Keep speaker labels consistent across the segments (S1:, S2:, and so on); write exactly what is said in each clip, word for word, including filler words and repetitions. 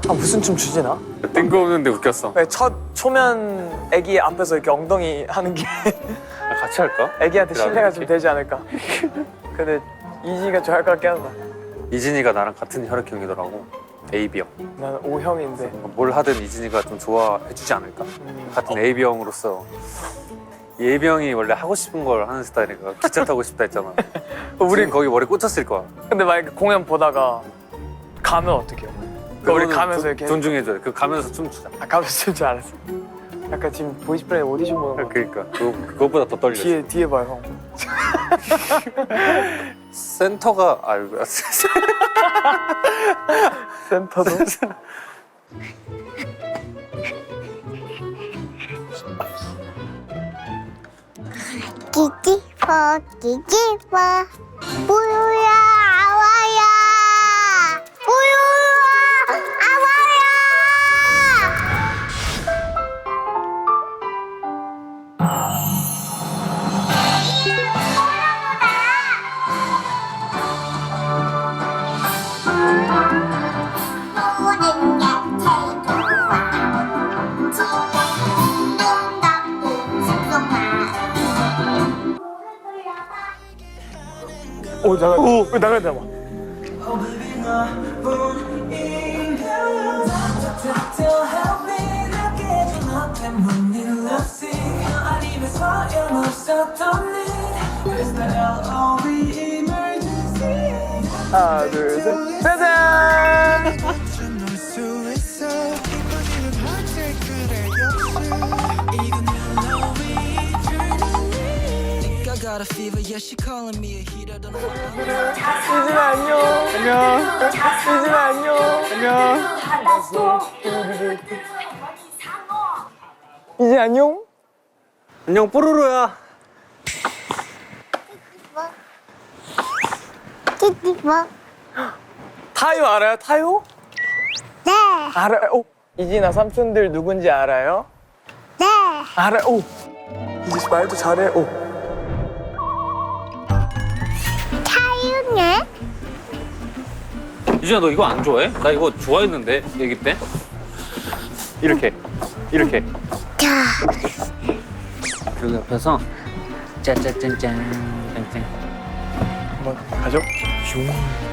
S1: 아, 무슨 춤 추지 나?
S2: 뜬금없는데 웃겼어.
S1: 왜 첫 초면 애기 앞에서 이렇게 엉덩이 하는 게
S2: 아, 같이 할까?
S1: 애기한테
S2: 그래,
S1: 신뢰가
S2: 이렇게?
S1: 좀 되지 않을까? 근데 이진이가 좋아할 것 같긴 하다.
S2: 이진이가 나랑 같은 혈액형이더라고. 에이비형.
S1: 나는 O형인데.
S2: 뭘 하든 이진이가 좀 좋아해주지 않을까?
S1: 음.
S2: 같은 에이비형으로서. 이 에이비형이 원래 하고 싶은 걸 하는 스타일이니까 기차 타고 싶다 했잖아. 우린 거기 머리 꽂혔을 거야.
S1: 근데 만약에 공연 보다가 가면 어떡해요? 그러니까 우리
S2: 그거는
S1: 가면서
S2: 조-
S1: 이렇게
S2: 존중해줘야 돼. 그 가면서 춤추자.
S1: 아, 가면서 춤줄 알았어. 약간 지금 보이스플레이 오디션 보는 거.
S2: 그러니까 그거, 그것보다 더 떨려.
S1: 뒤에 뒤에 봐요 형.
S2: 센터가 아이고
S1: 센터도.
S3: 기지퍼 기지퍼 우유야 아와야 우유야 아와야 노는 게 제일 좋아 지금 눈 감고 숙성아
S1: 오 나가. 오 나가 나가. 하나 둘 셋. 짜잔.
S4: I got a fever, yeah, she calling me a heater. Don't know
S1: 이진아 안녕. 안녕. 이진아 안녕. 안녕. 이진 안녕.
S2: 안녕 뽀로로야.
S3: 기지퍼
S1: 타요 알아요? 타요?
S3: 네
S1: 알아요. 오. 이진아 삼촌들 누군지 알아요?
S3: 네.
S1: 알아요. 오. 이진 씨 말도 잘해. 오.
S3: 타유네
S2: 이진아 너 이거 안 좋아해? 나 이거 좋아했는데 얘기 때. 이렇게 이렇게.
S3: 자
S2: 그 옆에서 짜짜짠짠 짠짠.
S1: 한번 가죠. 슝.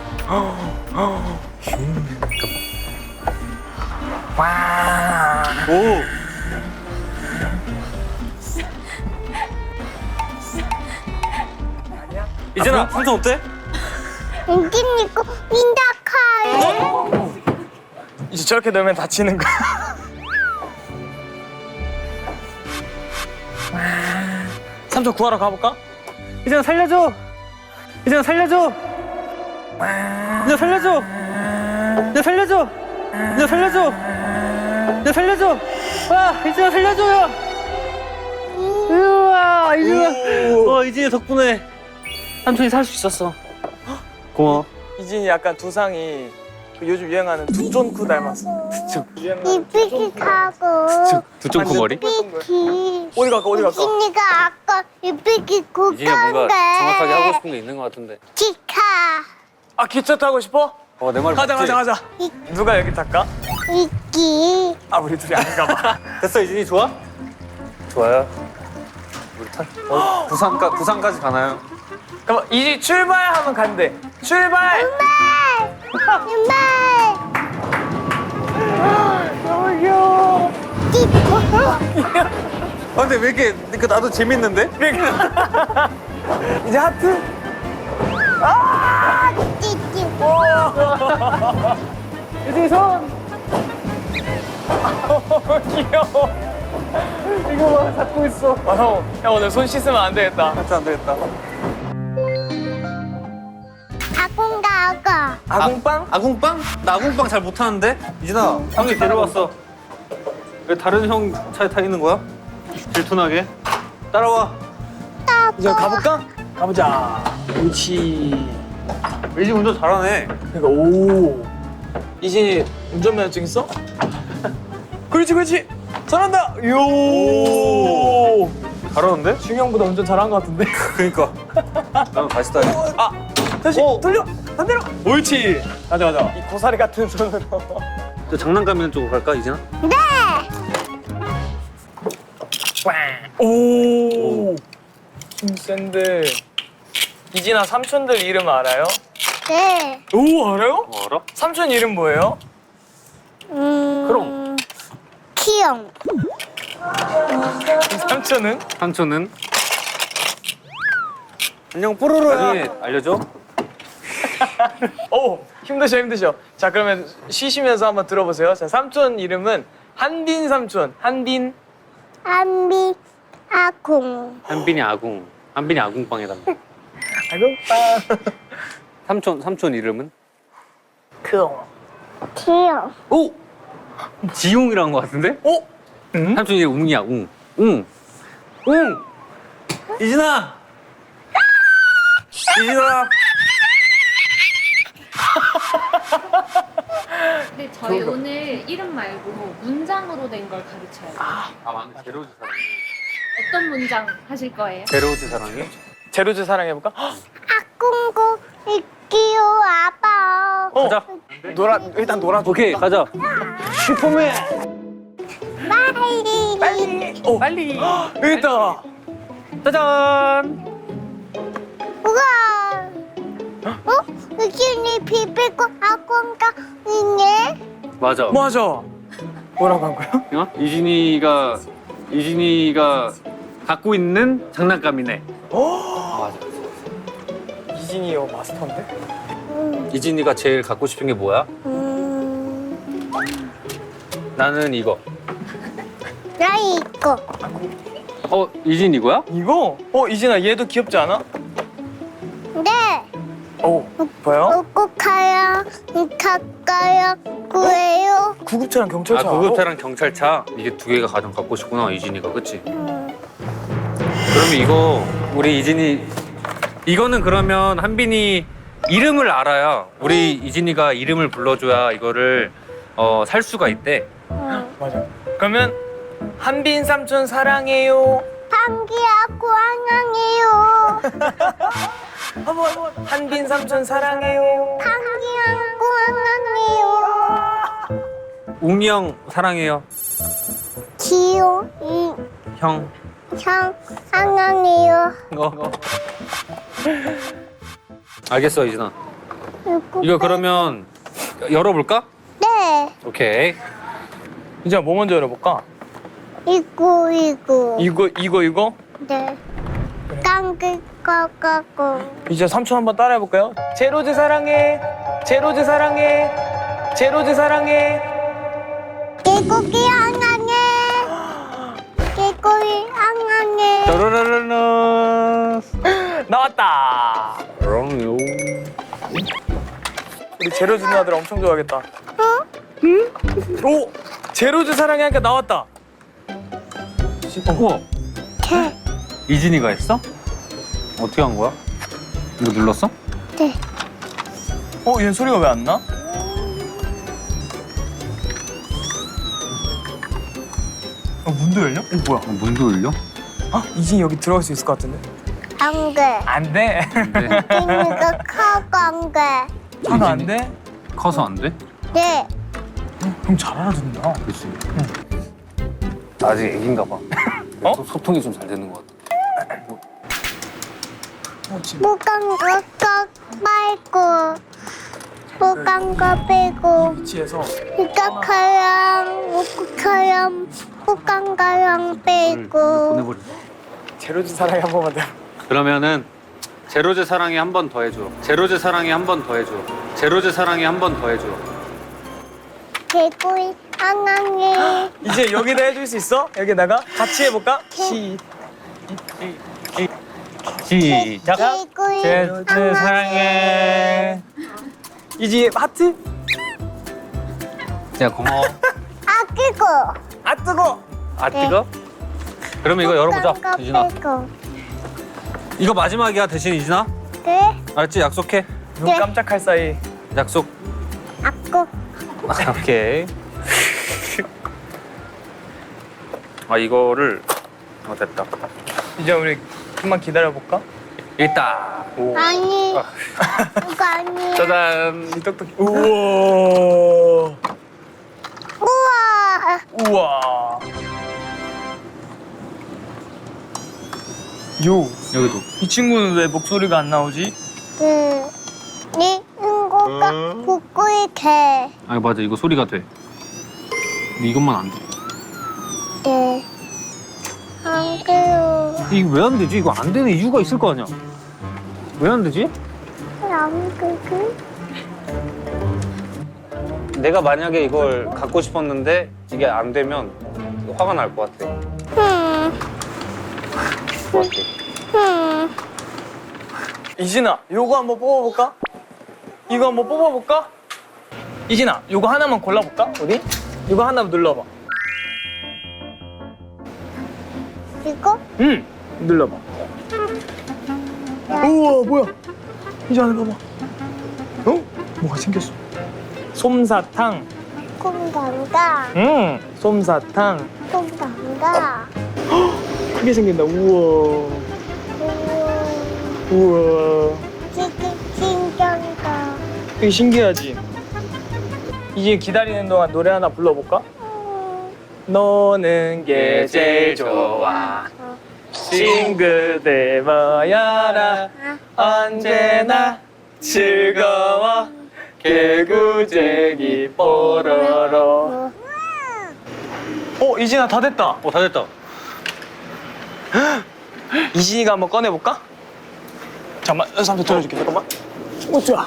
S1: 슝. 와.
S2: 오. 이진아 삼촌 어때?
S3: 인긴 있고 민다카이
S1: 이제 저렇게 넣으면 다치는 거야. 삼촌 구하러 가볼까?
S2: 이진아 살려줘. 이진아 살려줘. 이진아 살려줘. 이진아 살려줘. 이진아 살려줘. 이진아 살려줘. 와 이진아 살려줘요. 우와 이진아. 와 이진이 덕분에 삼촌이 살 수 있었어. 고마워.
S1: 이진이 약간 두상이 그 요즘 유행하는 두쫀쿠 닮았어.
S3: 이삐기하고
S2: 두쫑코 머리?
S3: 이삐기
S1: 어디 갈까? 어디 갈까?
S3: 이진이가 아까 이삐기
S2: 이진이가 뭔가 정확하게 하고
S3: 굽던데
S2: 싶은 게 있는 것 같은데.
S3: 기카
S1: 아 기차 타고 싶어?
S2: 어 내 말
S1: 가자
S2: 맞지?
S1: 가자 가자.
S3: 이-
S1: 누가 여기 탈까?
S3: 이끼
S1: 아 우리 둘이 안 가봐.
S2: 됐어 이진이 좋아? 좋아요. 우리 탈. 어, 부산까 부산까지 가나요?
S1: 그럼 이지 출발하면 간대. 출발.
S3: 윤발
S1: 너무 귀여워.
S3: 끼꼬
S2: 아 근데 왜 이렇게 그러니까 나도 재밌는데?
S1: 이제 하트.
S3: 끼끼
S1: 이제 손. 귀여워. 이거 봐 잡고 있어. 아, 형, 형 오늘 손 씻으면 안 되겠다.
S2: 하트 안 되겠다.
S3: 아공가가
S1: 아궁빵?
S2: 아궁빵? 나 아궁빵 잘 못하는데? 이진아 형이 데려왔어. 왜 다른 형 차에 타 있는 거야? 질투나게. 따라와.
S1: 이제 가볼까? 가보자. 그렇지.
S2: 이진 운전 잘하네.
S1: 그러니까 오. 이진이 운전면허증 있어? 그렇지 그렇지. 잘한다. 요.
S2: 잘하는데?
S1: 중형보다 운전 잘한 것 같은데.
S2: 그니까. 나는 다시 타야
S1: 아 다시
S2: 어.
S1: 돌려 반대로. 옳지. 가자 가자. 이 고사리 같은 손으로.
S2: 저 장난감 있는 쪽으로 갈까 이진아?
S3: 네.
S1: 오. 힘 센데. 이진아 삼촌들 이름 알아요?
S3: 네.
S1: 오 알아요?
S2: 어, 알아?
S1: 삼촌 이름 뭐예요?
S3: 음.
S2: 그럼.
S3: 키용.
S1: 삼촌은?
S2: 삼촌은? 안녕 뽀로로야. 알려줘.
S1: 오 힘드셔 힘드셔. 자 그러면 쉬시면서 한번 들어보세요. 자 삼촌 이름은 한딘 삼촌. 한딘.
S3: 안비 아공.
S2: 한빈이 아궁. 한빈이 아궁빵이다.
S1: 아이고 빵.
S2: 삼촌 삼촌 이름은?
S1: 크.
S3: 키용.
S2: 오! 지웅이라는 것 같은데?
S1: 오. 응?
S2: 삼촌 이름 웅이야 웅. 웅. 웅. 이진아. 이진아.
S5: 근데 저희 오늘 이름 말고 문장으로 된 걸 가르쳐요.
S2: 아 맞네. 제로즈 사랑해.
S5: 어떤 문장 하실 거예요?
S2: 제로즈 사랑해?
S1: 제로즈 사랑해볼까?
S3: 아공고 이끼요 아빠.
S1: 어.
S2: 가자.
S1: 놀아 일단 놀아.
S2: 오케이 가자. 슈퍼맨.
S3: 빨리.
S1: 빨리. 오 빨리. 여기 있다.
S2: 짜잔.
S3: 우와. 어? 여기는 비비고 아공가 있네.
S2: 맞아.
S1: 맞아. 뭐라고 한 거야?
S2: 어? 이진이가 이진이가 갖고 있는 장난감이네.
S1: 오.
S2: 맞아.
S1: 이진이요 마스터인데?
S3: 음.
S2: 이진이가 제일 갖고 싶은 게 뭐야?
S3: 음.
S2: 나는 이거.
S3: 나 이거.
S2: 어 이진 이거야?
S1: 이거? 어 이진아 얘도 귀엽지 않아?
S3: 네.
S1: 오 뭐야?
S3: 꼭가요. 가까요. 구해요.
S1: 구급차랑 경찰차.
S2: 아 구급차랑 경찰차 이게 두 개가 가장 갖고 싶구나 이진이가 그치?
S3: 음.
S2: 그러면 이거 우리 이진이 이거는 그러면 한빈이 이름을 알아야 우리 이진이가 이름을 불러줘야 이거를 어, 살 수가 있대.
S3: 음.
S1: 맞아. 그러면 한빈 삼촌 사랑해요.
S3: 방귀하고 안녕해요.
S1: 한번 한번. 한빈 삼촌 사랑해요.
S3: 방귀하고 안녕해요.
S2: 웅이 형 사랑해요.
S3: 지효 이
S2: 형.
S3: 형 안녕해요.
S2: 어. 알겠어 이진아. 이거 그러면 열어볼까?
S3: 네.
S2: 오케이.
S1: 이진아 뭐 먼저 열어볼까?
S3: 이거 이거.
S1: 이거 이거 이거?
S3: 네. 깡글 까까고.
S1: 이제 삼촌 한번 따라해볼까요? 제로즈 사랑해. 제로즈 사랑해. 제로즈 사랑해.
S3: 개고기 안녕해. 개고기 안녕해.
S2: 따라라라라.
S1: 나왔다.
S2: 그럼요.
S1: 우리 제로즈 누나들 엄청 좋아하겠다.
S3: 어?
S1: 오! 제로즈 사랑해 하니까 나왔다.
S2: 우와.
S3: 개.
S2: 이진이가 했어? 어떻게 한 거야? 이거 눌렀어?
S3: 네.
S1: 어? 얘 소리가 왜 안 나? 어, 문도 열려? 어, 뭐야?
S2: 어, 문도 열려?
S1: 아, 이진이 여기 들어갈 수 있을 것 같은데?
S3: 안 돼.
S1: 안 돼.
S2: 네.
S3: 이니가 커고 안 돼.
S1: 차가 안 돼?
S2: 커서 안 돼?
S3: 네.
S1: 형 잘 알아듣는다.
S2: 그렇지. 아직 애긴가 봐.
S1: 어?
S2: 소- 소통이 좀 잘 되는 것 같아.
S1: 어, 지금.
S3: 무강 거거 말고 무강 거 빼고
S1: 위치에서
S3: 이거 커요. 무구 커요. 무강 거요 빼고.
S2: 보내버려.
S1: 제로즈 사랑해 한 번만 더.
S2: 그러면은 제로제 사랑해 한 번 더 해줘. 제로제 사랑해 한 번 더 해줘. 제로제 사랑해 한 번 더 해줘.
S3: 개구이 안녕해.
S1: 이제 여기다 해줄 수 있어? 여기다가 같이 해볼까? 시.
S2: 시작.
S3: 개구이
S2: 제로제 사랑해.
S1: 이지 하트?
S2: 야 고마워.
S3: 아끼고.
S1: 아 뜨거.
S2: 아 뜨거? 그러면 이거 열어보자.
S3: 무강 거
S2: 이진아.
S3: 빼고.
S2: 이거 마지막이야 대신 이진아.
S3: 네.
S2: 알았지? 약속해.
S1: 눈
S3: 네.
S1: 깜짝할 사이.
S2: 약속.
S3: 아고.
S2: 오케이. 아 이거를 어 됐다.
S1: 이제 우리 좀만 기다려볼까?
S2: 있다. 오.
S3: 아니.
S2: 아.
S3: 이거 아니에요.
S2: 짜잔.
S1: 이 똑똑히. 우와. 우와. 요.
S2: 여기도.
S1: 이 친구는 왜 목소리가 안 나오지?
S3: 그, 이 친구가 북구이 개.
S2: 아 맞아 이거 소리가 돼. 근데 이것만 안 돼.
S3: 네. 안 돼요.
S2: 이거 왜 안 되지? 이거 안 되는 이유가 있을 거 아니야. 왜 안 되지?
S3: 안 되지?
S2: 내가 만약에 이걸 갖고 싶었는데 이게 안 되면 화가 날 것 같아.
S3: 흠,
S2: 것 같아.
S3: 흠.
S1: 이진아, 요거 한번 뽑아볼까? 이거 한번 뽑아볼까? 이진아, 요거 하나만 골라볼까? 우리? 이거 하나 눌러봐.
S3: 이거?
S1: 응. 눌러봐. 우와, 뭐야? 이진아, 봐봐. 어? 뭐가 생겼어? 솜사탕.
S3: 콩당가.
S1: 응. 솜사탕.
S3: 콩당가.
S1: 크게 생긴다. 우와.
S3: 우와.
S1: 우와.
S3: 되게 신기하다.
S1: 되게 신기하지? 이제 기다리는 동안 노래 하나 불러볼까?
S3: 음,
S1: 너는 게 제일 좋아. 친구들 모여라. 언제나 즐거워. 개구쟁이 뽀로로. 어, 이진아 다 됐다.
S2: 어 다 됐다.
S1: 이진이가 한번 꺼내볼까? 잠깐만, 삼촌 들어줄게. 잠깐만. 어, 좋아.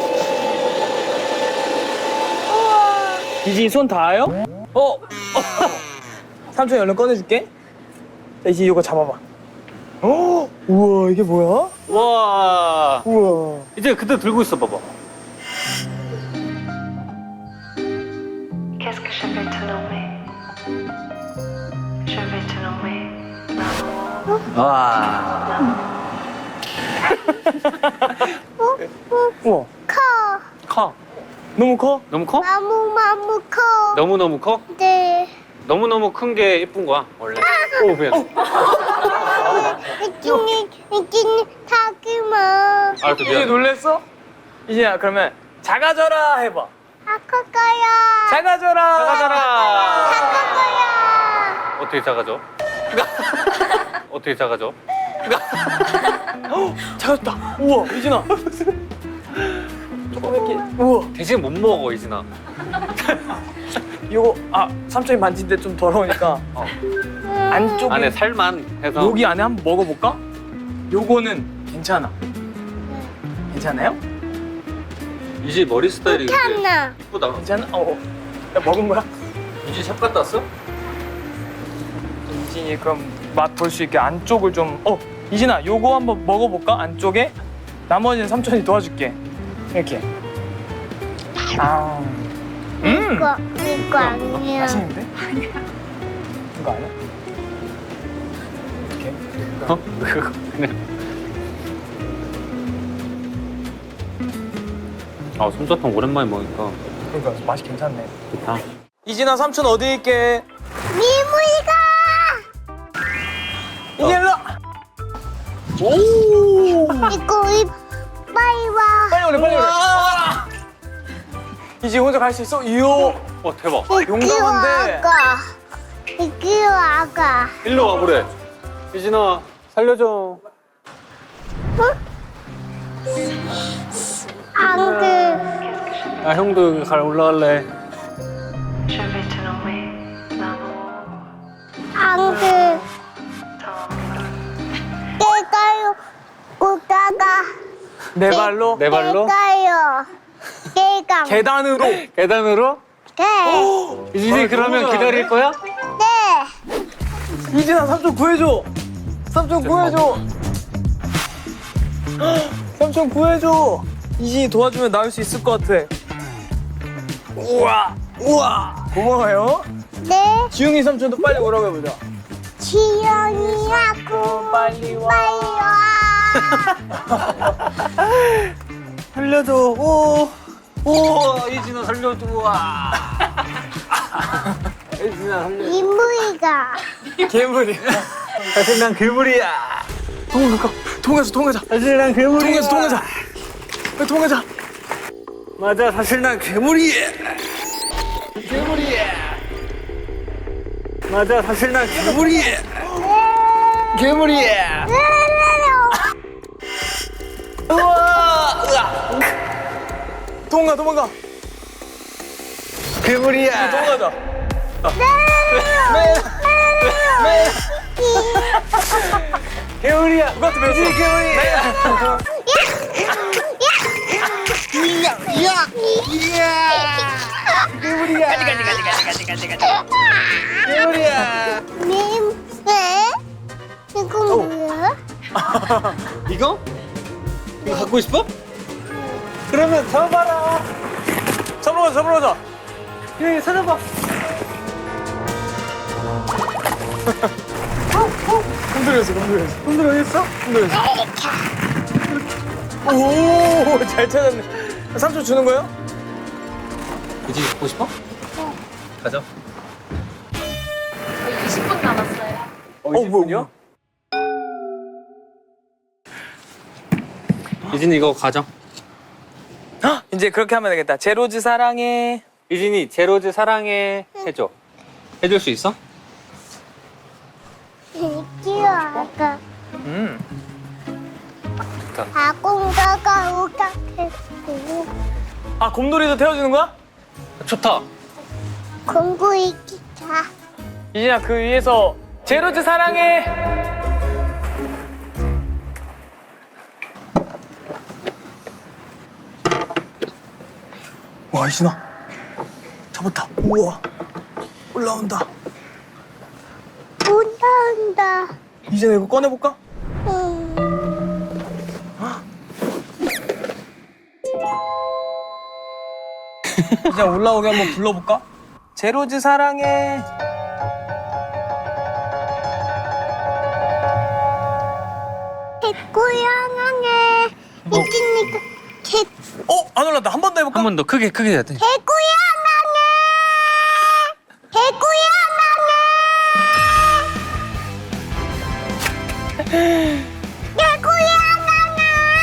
S1: 이진이 손 닿아요? 어? 어. 삼촌이 얼른 꺼내줄게. 자, 이진이 이거 잡아봐. 어? 우와, 이게 뭐야?
S2: 와.
S1: 우와.
S2: 이제 그때 들고 있어 봐봐.
S6: Qu'est-ce que je vais te nommer? Je vais te nommer l'amour.
S2: 와.
S1: 우와.
S3: 커.
S2: 커.
S1: 너무 커?
S2: 너무 커?
S3: 너무 너무 커.
S2: 너무 너무 커?
S3: 네.
S2: 너무 너무 큰 게 예쁜 거야 원래. 오 미안.
S3: 이끼니 이끼니 타기마.
S2: 알았어
S1: 이제
S2: 미안.
S1: 놀랬어? 이진아, 그러면 작아져라 해봐.
S3: 아까 거야.
S1: 작아져라.
S2: 작아져라.
S3: 아까 거야.
S2: 어떻게 작아져? 어떻게 작아져?
S1: 작아졌다. 우와, 이진아. 조그맣게. 우와.
S2: 대신 못 먹어 이진아.
S1: 이거 아 삼촌이 만진데 좀 더러우니까
S2: 어.
S1: 안쪽에
S2: 안에 살만 해서.
S1: 여기 안에 한번 먹어볼까? 요거는 괜찮아. 괜찮아요?
S2: 이제 머리 스타일이 근데
S3: 하나.
S2: 이쁘다.
S1: 괜찮아? 어. 어. 야, 먹은 거야?
S2: 이제 샵 갔다 왔어?
S1: 이진이 그럼 맛 볼 수 있게 안쪽을 좀. 어, 이진아, 요거 한번 먹어볼까? 안쪽에. 나머지는 삼촌이 도와줄게. 이렇게. 아. 음.
S3: 이거 이거 아니야.
S1: 맛있는데? 이거 아니야? 이렇게.
S2: 어? 그냥. 아 솜사탕 오랜만에 먹으니까
S1: 그러니까 맛이 괜찮네.
S2: 좋다.
S1: 이진아, 삼촌 어디 있게?
S3: 미무이가.
S1: 이게 일로. 와. 오.
S3: 이거 이 빨리 와.
S1: 빨리 오래, 빨리 오래. 이제 혼자 갈 수 있어? 이요.
S2: 와 대박.
S1: 용감한데.
S3: 아가. 이끼 아가.
S2: 일로 와보래. 이진아 살려줘.
S3: 안 돼.
S2: 아 형도 갈 올라갈래.
S6: Je vais te nommer l'amour.
S3: 안 돼. 내가요. 오다가.
S1: 내 발로
S2: 내 발로?
S3: 내가요. 내가.
S1: 계단으로.
S2: 계단으로?
S3: 네.
S2: 이진이
S1: 아,
S2: 그러면
S1: 너무
S2: 기다릴 거야?
S3: 네.
S1: 이진아, 삼촌 구해줘. 삼촌 구해줘. 삼촌 구해줘. 이진이 도와주면 나올 수 있을 것 같아. 우와, 우와. 고마워요.
S3: 네.
S1: 지웅이 삼촌도 빨리 오라고 해보자.
S3: 지연이하고
S1: 빨리 와.
S3: 빨리 와.
S1: 살려줘. 오.
S2: 오 이진아 살려줘. 와. 이진아 살려.
S3: 이무이가.
S1: 괴물이.
S2: 사실 난 괴물이야.
S1: 도망가. 도망가자. 도망가자.
S2: 사실 난 괴물이야.
S1: 도망가자. 도망가자. 빨리 도망가자.
S2: 맞아 사실 난 괴물이야.
S1: 괴물이야.
S2: 맞아, 사실 난 괴물이. 괴물이.
S1: 우와! 으아! 도망가, 도망가.
S2: 괴물이야.
S1: 도망가자.
S2: 괴물이야.
S1: 누가 또 배웠어?
S2: 괴물이야. 괴물이야. 가지 가지 가지 가지 가지 가지 가지. 괴물이야.
S3: 냄새? 이거 뭐야?
S2: 이거? 이거 갖고 싶어? 그러면 잡아라.
S1: 잡으러 가자, 잡으러 가자.
S2: 여기 찾아봐.
S1: 흔들렸어, 흔들렸어. 흔들렸어? 흔들렸어. 오, 잘 찾았네. 삼촌 주는 거예요?
S2: 유진이 갖고 싶어? 가자.
S5: 거의 이십 분 남았어요.
S1: 어, 뭐요?
S2: 유진이 이거 가져.
S1: 이제 그렇게 하면 되겠다. 제로즈 사랑해.
S2: 유진이 제로즈 사랑해 해줘. 해줄 수 있어?
S3: 귀여워.
S1: 음.
S3: 아공가가 오각했고
S1: 아, 곰돌이도 태워주는 거야?
S2: 좋다.
S3: 공구이 기차.
S1: 이진아, 그 위에서 제로즈 사랑해. 와, 이진아. 잡았다. 우와. 올라온다.
S3: 온다 온다.
S1: 이진아, 이거 꺼내볼까?
S3: 음.
S1: 이제 올라오게 한번 불러볼까? 제로즈 사랑해.
S3: 개고양이네. 이진이가 개
S1: 어? 안 올라온다. 한 번 더 해볼까?
S2: 한 번 더 크게 크게 해야 돼.
S3: 개고양이네. 개고양이네. 개고양이네.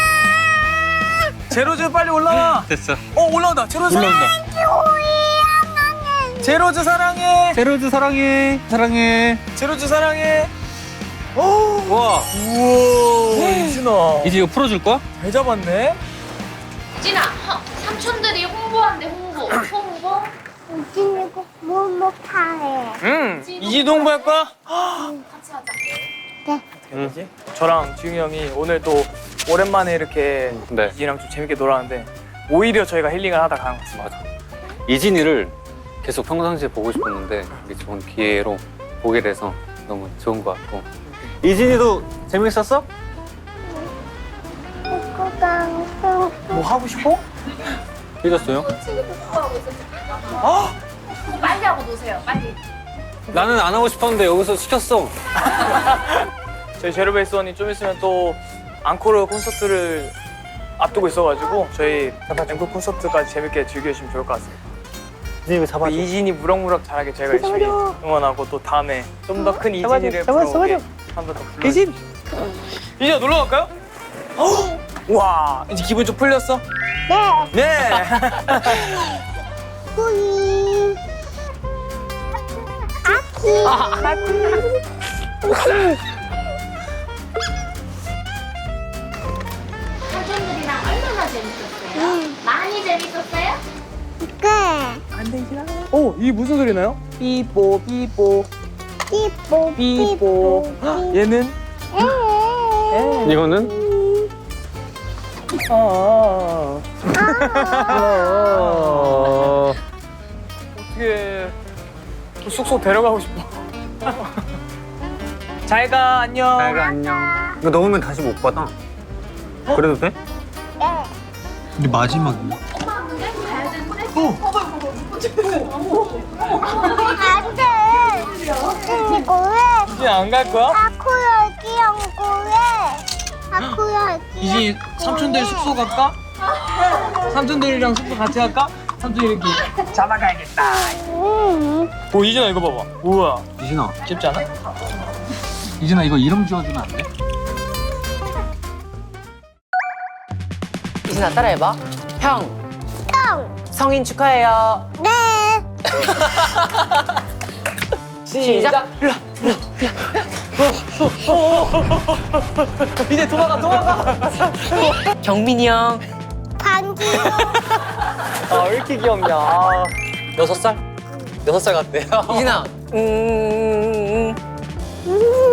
S1: 제로즈 빨리 올라와.
S2: 됐어.
S1: 어, 올라온다. 제로즈
S2: 올라온다.
S3: 개고양이네.
S1: 제로즈 사랑해.
S2: 제로즈 사랑해. 사랑해.
S1: 제로즈 사랑해. 오.
S2: 와.
S1: 우와. 이진아.
S2: 이제 이거 풀어줄 거야?
S1: 잘 잡았네.
S5: 이진아, 허, 삼촌들이 홍보한대 홍보. 홍보?
S3: 이진이가 뭐 못하래.
S1: 응. 이진도 홍보할 거야?
S5: 같이 하자.
S3: 네.
S1: 되지? 저랑 지웅이 형이 오늘 또 오랜만에 이렇게
S2: 네.
S1: 이진이랑 좀 재밌게 놀았는데 오히려 저희가 힐링을 하다 가는 것 같습니다.
S2: 맞아. 이진이를 계속 평상시에 보고 싶었는데 이게 좋은 기회로 보게 돼서 너무 좋은 것 같고. 이진이도 재밌었어?
S3: 개고양이.
S1: 뭐 하고 싶어?
S2: 삐졌어요?
S5: 친구들 홍보하고 있었어.
S1: 아!
S5: 빨리 하고 노세요, 빨리.
S2: 나는 안 하고 싶었는데 여기서 시켰어.
S1: 저희 제로베이스원이 좀 있으면 또 앙코르 콘서트를 앞두고 있어가지고 저희 앵콜 콘서트까지 재밌게 즐겨주시면 좋을 것 같습니다.
S2: 이진이 이거
S1: 또 이진이 무럭무럭 잘하게 저희가 열심히 응원하고 또 다음에 좀 더 큰 이진이를 불러오게 한번 더 불러주세요. 이진! 이진아 놀러 갈까요? 와, 이제 기분 좀 풀렸어?
S3: 네.
S1: 네!
S3: 꾸이. 아키.
S5: 삼촌들이랑 얼마나 재밌었어요? 많이 재밌었어요?
S3: 네.
S1: 오, 이게 무슨 소리나요? 삐뽀 삐뽀
S3: 삐뽀
S1: 삐뽀. 헉, 얘는?
S3: 에.
S2: 이거는?
S1: 아,
S2: 어...
S1: 어떻게 숙소 데려가고 싶어. 잘 가, 안녕.
S2: 잘가 안녕. 이거 넣으면 다시 못 받아. 그래도 돼?
S3: 네.
S2: 이게 마지막이야.
S5: 엄마 근데 가야 되는데?
S3: 안 돼. 이거 왜?
S1: 이제 안 갈 거야?
S3: 아쿠 여기 연구 왜? 아쿠 여기.
S1: 이제 삼촌들 숙소 갈까? 삼촌들이랑 숙소 같이 갈까? 삼촌 이렇게 잡아가야겠다.
S3: 음.
S1: 오, 이진아 이거 봐봐. 우와,
S2: 이진아.
S1: 귀엽지 않아?
S2: 이진아 이거 이름 지어주면 안 돼?
S7: 이진아 따라해봐. 형,
S3: 형.
S7: 성인 축하해요.
S3: 네.
S1: 시작. 이제 도망가 도망가.
S7: 경민이 형.
S3: 방귀요.
S1: 아 왜 이렇게 귀엽냐. 아.
S7: 여섯 살? 여섯 살 같대요. 이진아. 음.
S3: 음.